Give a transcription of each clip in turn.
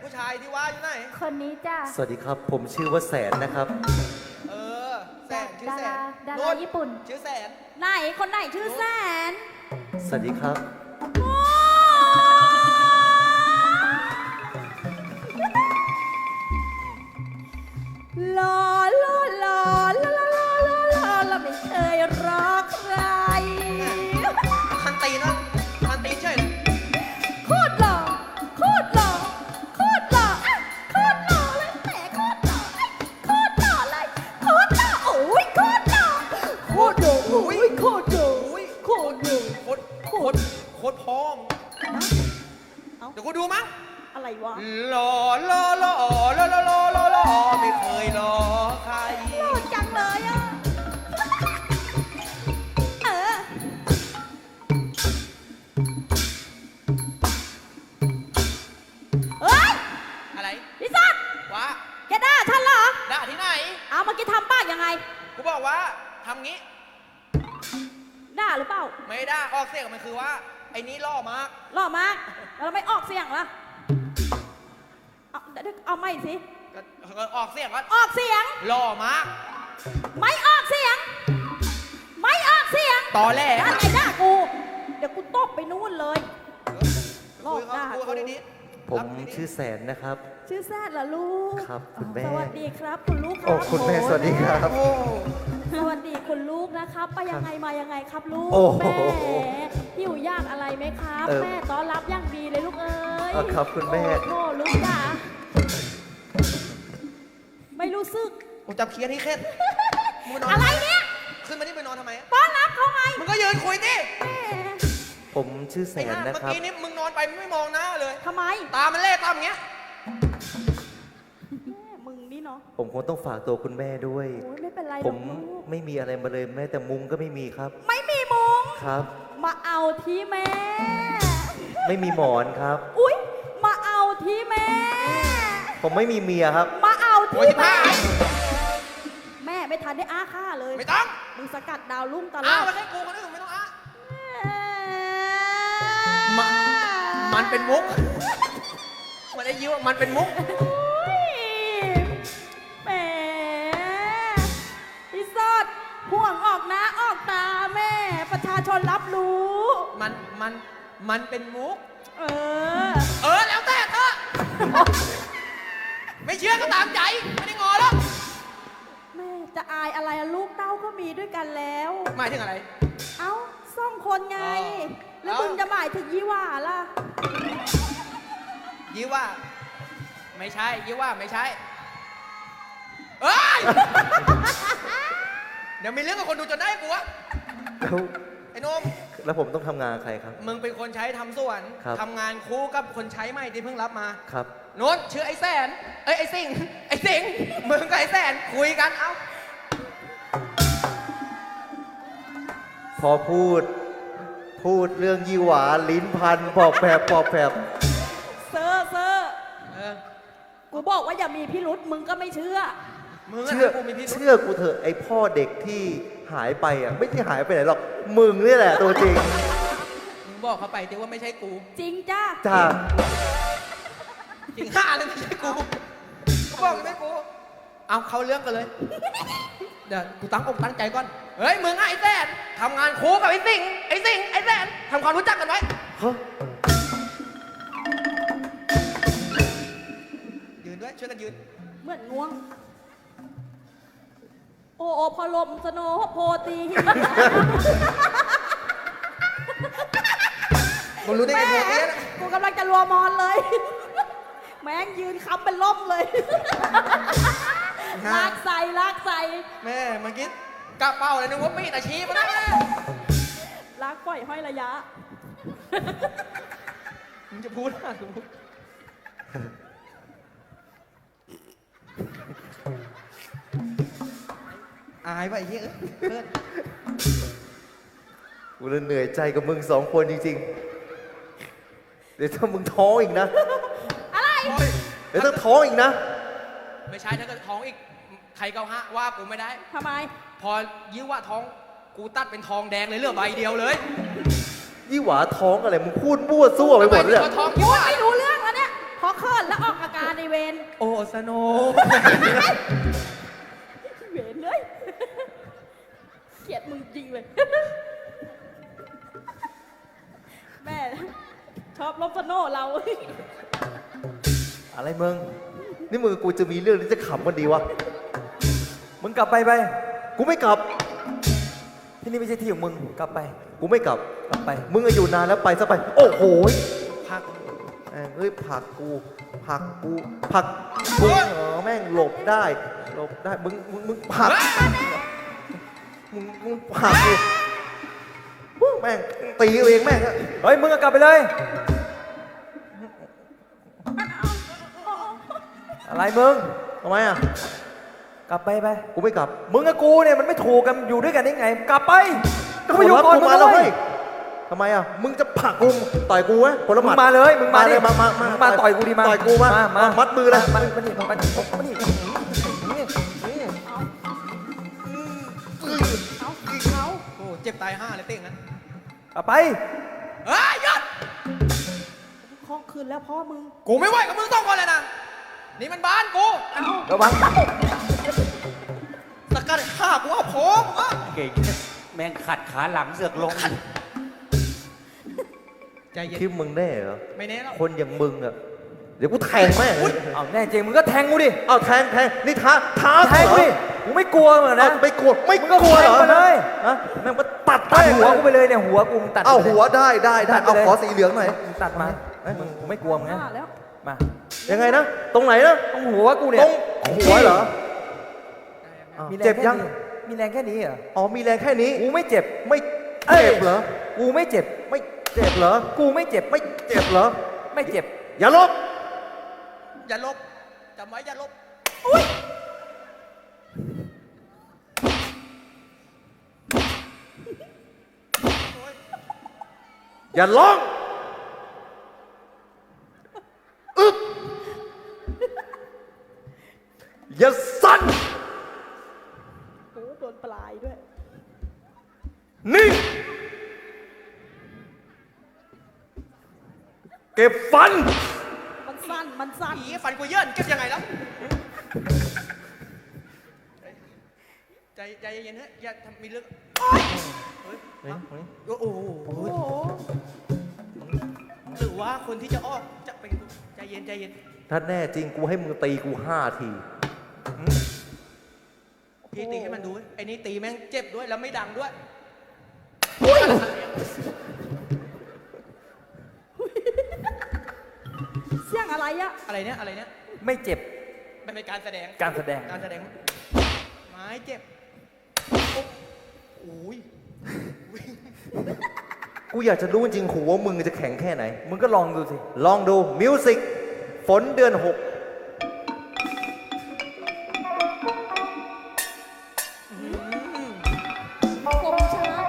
ผู้ชายที่ว่าอยู่ไหนคนนี้จ้าสวัสดีครับผมชื่อว่าแสนนะครับเออแสนชื่อแสนดาราญี่ปุ่นชื่อแสนไหนคนไหนชื่อแสนสวัสดีครับลอลอลอลอลอลอลอลอไม่เคยรักใครทันตีนะทันตีใช่เลยโคตรหล่อโคตรหล่อโคตรหล่อโคตรหล่อเลยแหมโคตรหล่อโคตรหล่อเลยโคตรหล่อโอ้ยโคตรหล่อโคตรหล่อโอ้ยโคตรหล่อโคตรหล่อโคตรพร้อมเดี๋ยวกูดูมั้งอะไรวะหล่อหล่อหล่อหล่อหล่อหล่อหล่อหล่อไม่เคยหล่อใครหล่อจังเลยอ่ะเฮ้ยอะไรพี่สัตว์วะแกด่าฉันเหรอด่าที่ไหนเอาเมื่อกี้ทำปากยังไงกูบอกว่าทำงี้ด่าหรือเปล่าไม่ด่าออกเสียงมันคือว่าไอ้นี้ล่อมากล่อมากแล้วไม่ออกเสียงล่ะเอาไม่สิออกเสียงว่าออกเสียงล่อมากไม่ออกเสียงไม่ออกเสียงตอแหลอะไรด่ากูเดี๋ยวกูตบไปนู่นเลยลอกด่าเขาดีๆผมชื่อแสนนะครับชื่อแสนเหรอลูกครับคุณแม่สวัสดีครับคุณลูกครับโอ้คุณแม่สวัสดีครับสวัสดีคุณลูกนะครับไปยังไงมายังไงครับลูกแม่หิวยากอะไรไหมครับแม่ต้อนรับอย่างดีเลยลูกเอ้ยครับคุณแม่โอ้ลูกจ๋าไม่รู้สึกผมจับเคียร์ที่เคล็ดอะไรเนี่ยขึ้นมานี่ไปนอนทำไมต้อนรับเขาไงมึงก็ยืนคุยดิผมชื่อแสนนะครับเมื่อกี้นี้มึงนอนไปมึงไม่มองหน้าเลยทำไมตามันเล่ตามอย่างเงี้ยมึงนี่เนาะผมคงต้องฝากตัวคุณแม่ด้วยไม่เป็นไรผมไม่มีอะไรมาเลยแม้แต่มุ้งก็ไม่มีครับไม่มีมุ้งครับมาเอาที่แม่ไม่มีหมอนครับอุ๊ยมาเอาที่แม่ผมไม่มีเมียครับมาเอาที่แม่แม่ไม่ทันได้อ้าค่าเลยไม่ต้องมึงสกัดดาวรุ่งตลอดอ้ามาให้กูคนอื่นไม่ต้องอ้ามันเป็นมุกมันได้ยิ้วมันเป็นมุกแหมอีสอดห่วงออกนะออกตาแม่ประชาชนรับรู้มันเป็นมุกแล้วแต่เธอไม่เชื่อก็ตามใจไม่ได้งอหรอกแม่จะอายอะไรลูกเต้าก็มีด้วยกันแล้วหมายถึงอะไรเอ้าซ่องคนไงแล้วมึงจะหมายถึงยี่หว่าล่ะยี่ว่าไม่ใช่ยี่ว่าไม่ใช่เอ้ยเดี๋ยวมีเรื่องกับคนดูจนได้กูวะไอ้นมแล้วผมต้องทำงานใครครับมึงเป็นคนใช้ทำสวนทำงานคู่กับคนใช้ใหม่ที่เพิ่งรับมาครับโน้นชื่อไอ้แสนไอ้สิงมึงกับไอ้แสนคุยกันเอ้าพอพูดเรื่องยี่หวาลิ้นพันปอบแผบเซอร์กูบอกว่าอย่ามีพิรุษมึงก็ไม่เชื่อเชื่อกูเถอะไอ้พ่อเด็กที่หายไปอ่ะไม่ได้หายไปไหนหรอกมึงนี่แหละตัวจริงมึงบอกเขาไปแต่ว่าไม่ใช่กูจริงจ้าจริงห้าเลยไม่ใช่กูบอกไม่กูเอาเขาเรื่องกันเลยเดี๋ยวกูตั้งอกตั้งใจก่อนเฮ้ยมึงไอ้แสนทำงานคู่กับไอ้สิงไอ้แสนทำความรู้จักกันไว้ยืนด้วยช่วยกันยืนเหมือนง่วงโอ้พอลมสโนโพตีมึงรู้ได้ไงโพตีกูกำลังจะรัวมอนเลยแม่งยืนค้ำเป็นล่มเลยลากใส่แม่เมื่อกี้กระเป๋าเลยนึกว่ามีดอาชีพนะลากปล่อยห้อยระยะมึงจะพูดอะไรกูอายไปเฮ้ยเพื่อนกูเลยเหนื่อยใจกับมึงสองคนจริงๆเดี๋ยวถ้ามึงท้องอีกนะอะไรเดี๋ยวถ้าท้องอีกนะไม่ใช่ถ้าเกิดท้องอีกใครเกาฮะว่ากูไม่ได้ทำไมพอยิ้วว่าท้องกูตัดเป็นทองแดงเลยเหลือใบเดียวเลยยี่หวาท้องอะไรมึงพูดมั่วซั่วไปหมดเลยท้องยี่หวาไม่รู้เรื่องแล้วเนี่ยพอเคิร์นแล้วออกอาการเวนโอ้สโนเวนเลยเกลียดมึงจริงเลย แม่ชอบลบสโน่เราอะไรมึง นี่มึงกับกูจะมีเรื่องที่จะขำกันดีวะมึงกลับไปไปกูไม่กลับที่นี่ไม่ใช่ที่ของมึง กลับไปกูไม่กลับกลับไปมึงอะอยู่นานแล้วไปซะไป โอ้โหยพักแม่งเฮ้ยผลักกูผลักกูผลักกูแม่งหลบได้ หลบได้ มึงผลักมึงผลักกูวู้แม่งตีเอาเองแม่งอะเฮ้ย มึงก็กลับไปเลย อะไรมึงทำไมอะกลับไปไปกูไม่กลับมึงกับกูเนี่ยมันไม่ถูกกันอยู่ด้วยกันได้ไง กลับไปกูไปอยู่ผลก่อนกูมึงมาแล้วเลเฮ้ยยทำไมอะมึงจะผลักกูต่อยกูไหมผลมึหมังดมาเลยมึงมาดิมามาต่อยกูดิมาต่อยกูมามามัดมือเลยมานี่มานี่เอาโอ้เจ็บตาย5เลยเต้งนั้นกลับไปเฮ้ยหยุดคล้องคืนแล้วพ่อมึงกูไม่ไหวกับมึงต้องคนเลยนะนี่มันบ้านกูเอาระวังสกัดฆ่ากูเอาผมอ่ะเก่งแม่งขัดขาหลังเสือกลงใจเย็นคิดมึงแน่เหรอไม่แน่หรอกคนอย่างมึงอะเดี๋ยวกูแทงแม่งเลยเอาแน่จริงมึงก็แทงกูดิเอาแทงนี่ท้าแทงกูดิกูไม่กลัวเหมือนนะนะไม่กลัวไม่มึงกก็ลัวเหรอแทงมาเลยฮะแม่งมาตัดตัดแม่งหัวกูไปเลยเนี่ยหัวกูมึงตัดเอาไปลยหัวได้ตัดไปเอาเลยขอสีเหลืองหน่อยมึงตัดมามึงกูไม่กลัวมึงนะว่าแล้วมายังไงนะ ตรงไหนนะต้องหัวกูเนี่ตยรงหัวเหรออ้าวมีแรเจ็งบแค่ยังนี้มีแรงแค่นี้เหรออ๋อมีแรงแค่นี้กูไม่เจ็บไม่เจ็บเหรอกูไม่เจ็บไม่เจ็บเหรอกูไม่เจ็บไม่เจ็บเหรอไม่เจ็บอย่าลบอย่าลบจำไว้อย่าลบอย่าร้องอึบอย่าสั่นโอ้โดนปลายด้วยนิ่งเก็บฟันมันสั้น มันสั้นผีฟันกูเยื่อนเก็บยังไงแล้วใจเย็นๆเฮ้ยอย่าทำมีเรื่องเฮ้ยโอ้โหโอ้โหหรือว่าคนที่จะออกจะเป็นกูใจเย็นใจเย็นถ้าแน่จริงกูให้มึงตีกู5 ทีพี่ตีให้มันดูเว้ยไอ้นี่ตีแม่งเจ็บด้วยแล้วไม่ดังด้วยเสียงอะไรอะอะไรเนี่ยอะไรเนี่ยไม่เจ็บมันเป็นการแสดงการแสดงการแสดงไม้เจ็บโอ้ยกูอยากจะรู้จริงๆหัวมึงจะแข็งแค่ไหนมึงก็ลองดูสิลองดูมิวสิกฝนเดือน 6 คมช้า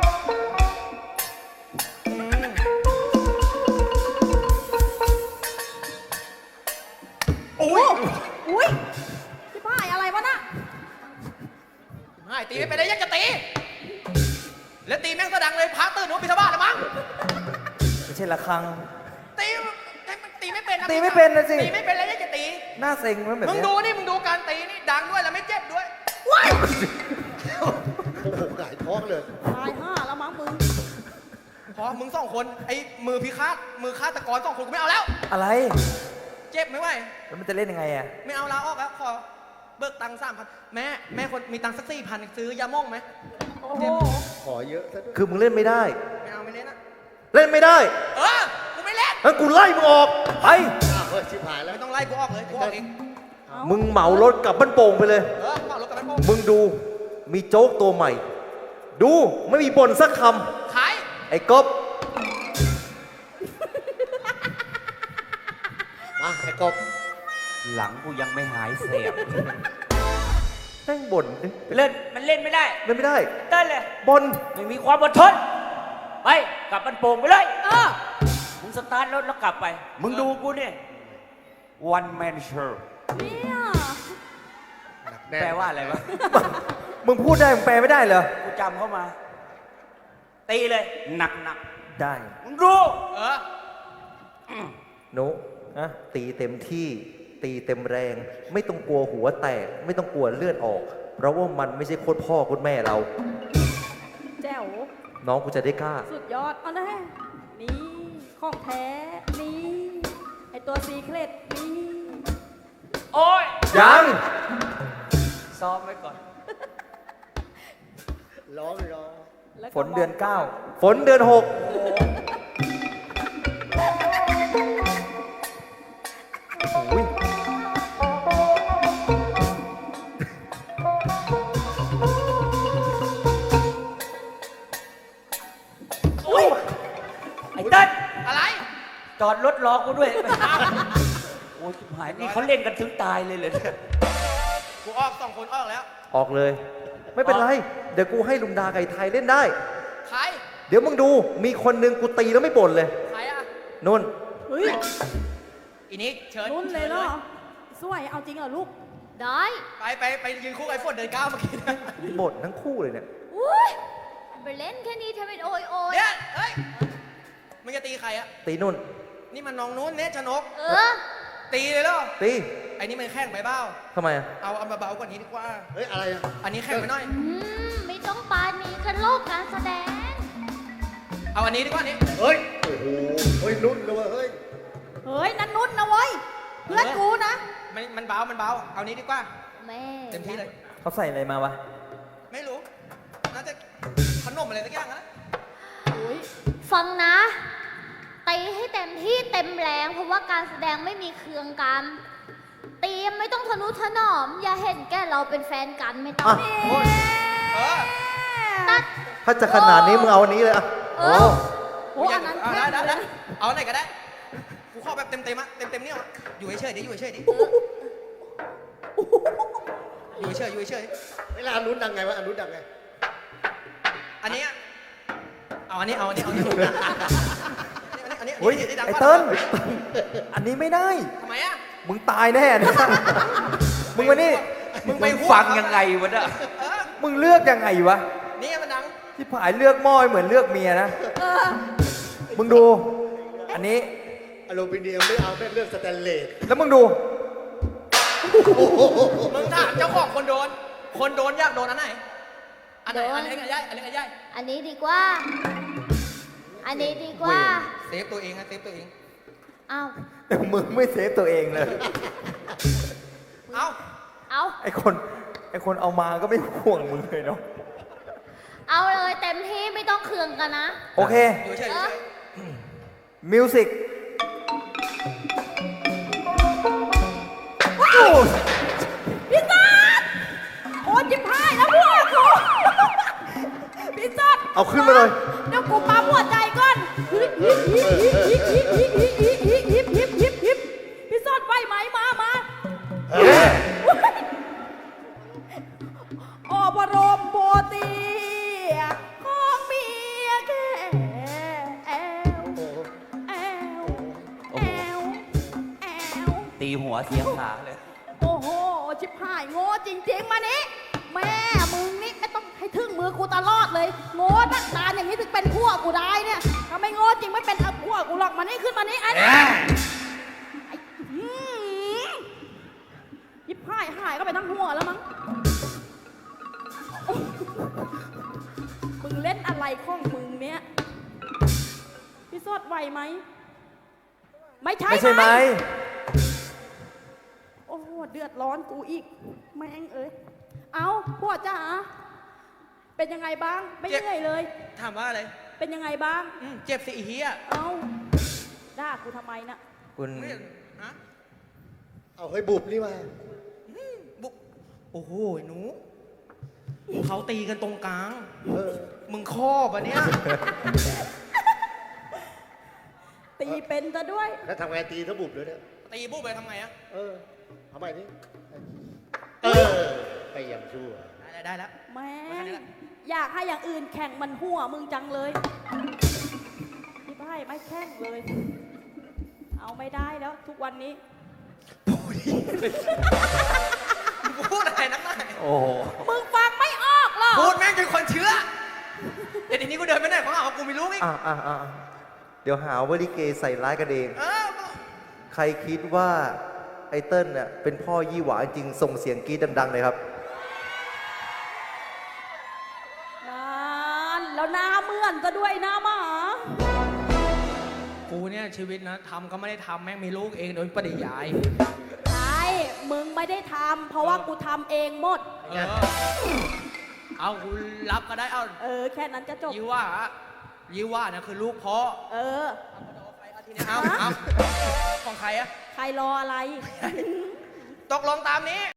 โอ้ยอุ้ยพี่ป้ายอะไรวะน่ะไม่ตีไม่เป็นไรยังจะตี แล้วตีแม่งก็ดังเลยพระตื่นหัวพิธบาตแล้วมั้งไม่ใช่ระฆังตีตีไม่เป็นนะตีไม่เป็นนะสิตีไม่เป็นแล้วยังจะตีหน้าเซ็งมันแบบมึงเนี้ยดูนี่มึงดูการตีนี่ดังด้วยแล้วไม่เจ็บด้วยว้ายโอ้โหหงายท้องเลยตายห้าแล้วมั้งมึงพอมึง2 คนไอ้มือพิฆาตมือฆาตกร2 คนกูไม่เอาแล้วอะไรเจ็บไม่ไหวแล้วมันจะเล่นยังไงอ่ะไม่เอาลาออกแล้วขอเบิกตังค์3,000แม่คนมีตังค์สัก4,000ซื้อยาม่องไหมโอ้โหขอเยอะซะด้วยคือมึงเล่นไม่ได้ไม่เอาไม่เล่นนะเล่นไม่ได้กูไม่เล่นงั้นกูไล่มึงออก ไปไม่ต้องไล่กูออกเลยกูออกเองมึงเหมารถกลับบ้านโป่งไปเลยกูเอารถกลับบ้านโป่งมึงดูมีโจ๊กตัวใหม่ ดูไม่มีบ่นสักคขายำ ไอ้ก๊อฟมาไอ้ก๊อฟหลังกูยังไม่หายเสียบแม่งบ่นดิเล่นมันเล่นไม่ได้เล่นไม่ได้เต้นเลยบ่นไม่มีความอดทนไปกลับบ้านโป่งไปเลยเออมึงสตาร์ทรถแล้วกลับไป มึงดูกูเนี่ย one man show เนี่ยแปลว่าอะไรวะมึงพูดได้มึงแปลไม่ได้เหรอกูจำเข้ามา ตีเลย หนักหนักได้มึงดูเออหนูนะตีเต็มที่ตีเต็มแรง ไม่ต้องกลัวหัวแตก ไม่ต้องกลัวเลือดออก เพราะว่ามันไม่ใช่โคตรพ่อโคตรแม่เราแจ๋วน้องกูจะได้กล้าสุดยอดเอาแน่นี่ของแท้นี่ไอตัวซีเครตนี่โอ้ยยังซ้อมไว้ก่อนร้องร้องแล้วก็ฝนเดือนฝนเดือน 6 โอ้ยไอ้เต้นอะไรจอดรถรอกูด้วยโอ้ยชิบหายนี่เขาเล่นกันถึงตายเลยเหรอเนี่ยกูออกสองคนออกแล้วออกเลย ไม่เป็นไร เดี๋ยวกูให้ลุงดาไก่ไทยเล่นได้ใครเดี๋ยวมึงดู มีคนหนึ่งกูตีแล้วไม่บ่นเลยใครอ่ะนุ่นเฮ้ยอีนี้เชิญนุ่นเลยเหรอสวยเอาจริงเหรอลูกได้ไปยืนคู่กับไอ้ฝนเดินก้าวเมื่อกี้นะบ่นทั้งคู่เลยเนี่ยอุ้ยไปเล่นแค่นี้ทำเป็นโอยโอยเนี่ยเฮ้ยมึงจะตีใครอ่ะตีนุ่นนี่มันน้องนู้นเนชนกเออตีเลยเหรอตีไอ้นี่มันแข่งไปเบ้าทำไมอะเอาเบาๆกว่านี้ดีกว่าเฮ้ย อะไรอ่ะอันนี้แข่งไปหน่อยไม่ต้องปานีกันโลกการแสดงเอาอันนี้ดีกว่านี้เฮ้ย โอ้โห เฮ้ย นุ่นเลยเฮ้ยเฮ้ยนั่นนุ่นนะเว้ยเพื่อนกูนะมันเบา เอานี้ดีกว่าแม่เต็มที่เลยเขาใส่อะไรมาวะไม่รู้ น่าจะขนมอะไรสักอย่างนะฟังนะตีให้เต็มที่เต็มแรงเพราะว่าการแสดงไม่มีเคืองกันตีไม่ต้องทะนุถนอม อย่าเห็นแก่เราเป็นแฟนกันไม่ต้องอ่ะเออตัดถ้าจะขนาดนี้มึงเอาอันนี้เลยอะเอโอ้อโอ้อันนั้นเอาแค่ได้เอาไหนก็ได้ กูขอแบบเต็มอะเต็มเนี่ยอะอยู่เฉยๆดิอยู่เฉยๆดิอยู่เฉยๆอยู่เฉยเวลาอันนู้นดังไงวะ อันนู้นดังไงๆอันนี้อะเอาอันนี้อันนี้อันนี้เฮ้ยดังไอ้กว่าเติ้ลอันนี้ไม่ได้ทำไมอะมึงตายแน่นะ มึงมานี่มึงไปมึงฟังยังไงวะเนี่ยเออมึงเลือกยังไงวะนี่มันดังที่ผายเลือกหม้อเหมือนเลือกเมียนะ มึงดู อันนี้อลูมิเนียมไม่เอาแม่งเลือกสแตนเลสแล้วมึงดูมึงถามเจ้าของคนโดน คนโดนอยากโดนอันไหน อันไหน อันเล็กอันใหญ่อันเล็กอันใหญ่อันนี้ดีกว่า อันนี้ดีกว่าเซฟตัวเองนะเซฟตัวเองเอาแต่มึงไม่เซฟตัวเองเลยเอาเอาไอคนเอามาก็ไม่ห่วงมึงเลยเนาะเอาเลยเต็มที่ไม่ต้องเคืองกันนะโอเคอยู่เฉยเออมิวสิกพี่ซัดโอ้จิบหายแล้วพวกกูพี่ซัดเอาขึ้นมาเลยเดี๋ยวกูปั๊มหัวใจก่อนฮิปพี่ซัดไหวไหมมาโอ้บรมโบตีของเมียแกแอวแอวแอวแอวตีหัวเสียงขาเลยโอ้โห ชิบหายโง่จริงๆ มานี้แม่มึงนี่ไม่ต้องให้ถึงมือกูตลอดเลย โง่นักตาอย่างนี้ถึงเป็นพวกกูได้เนี่ยถ้าไม่โง่จริงไม่เป็นพวกกูหรอกมานี่ขึ้นมานี่ไอ้นี่ไอ้ชิบหายก็ไปทั้งหัวแล้วมั้งมึงเล่นอะไรของมึงเนี่ยพี่สดไหวไหมไม่ใช่ไม่ใช่ไหมโอ้โหเดือดร้อนกูอีกแม่งเอ้ยเอาพวกจ๋าเป็นยังไงบ้างไม่เหนื่อยเลยถามว่าอะไรเป็นยังไงบ้างเจ็บสิอีเหี้ยเอาด่ากูทำไมนะคุณไม่ฮะเอาเฮ้ยบุบนี่มาบุกโอ้โหหนูเขาตีกันตรงกลางเออมึงครอบอ่ะเนี่ยตีเป็นซะด้วยแล้วทำไงตีถ้าบุบเลยเนี่ยตีปุ๊บไปทำไงอะเออทำไมนี่เออ ไปอย่างชั่วได้แล้วแม่แค่นี้งแหละอยากให้อย่างอื่นแข่งมันหัวมึงจังเลยพี่ไพ่ไม่แข่งเลย เอาไม่ได้แล้ว ทุกวันนี้พูดอะไรนักหนาโอ้โหมึงฟังไม่ออกหรอกพูดแม่งจนคนเชื่อเดี๋ยวทีนี้กูเดินไปไหนเขาหาว่ากูไม่รู้อีกเดี๋ยวหาว่าลิเกใส่ร้ายกันเองเออใครคิดว่า ไไอเติ้ลเนี่ยเป็นพ่อยี่หวาจริงส่งเสียงกรี๊ดดังๆเลยครับนานแล้วหน้าเหมือนซะด้วยหน้าหมากูเนี่ยชีวิตนะทำก็ไม่ได้ทำแม่งมีลูกเองโดยปริยายใช่มึงไม่ได้ทำเพราะว่ากูทำเองหมดเอากูรับก็ได้เอาแค่นั้นก็จบยี่ว่านะคือลูกพ่อ เอาของใครอะใครรออะไรตกลงตามนี้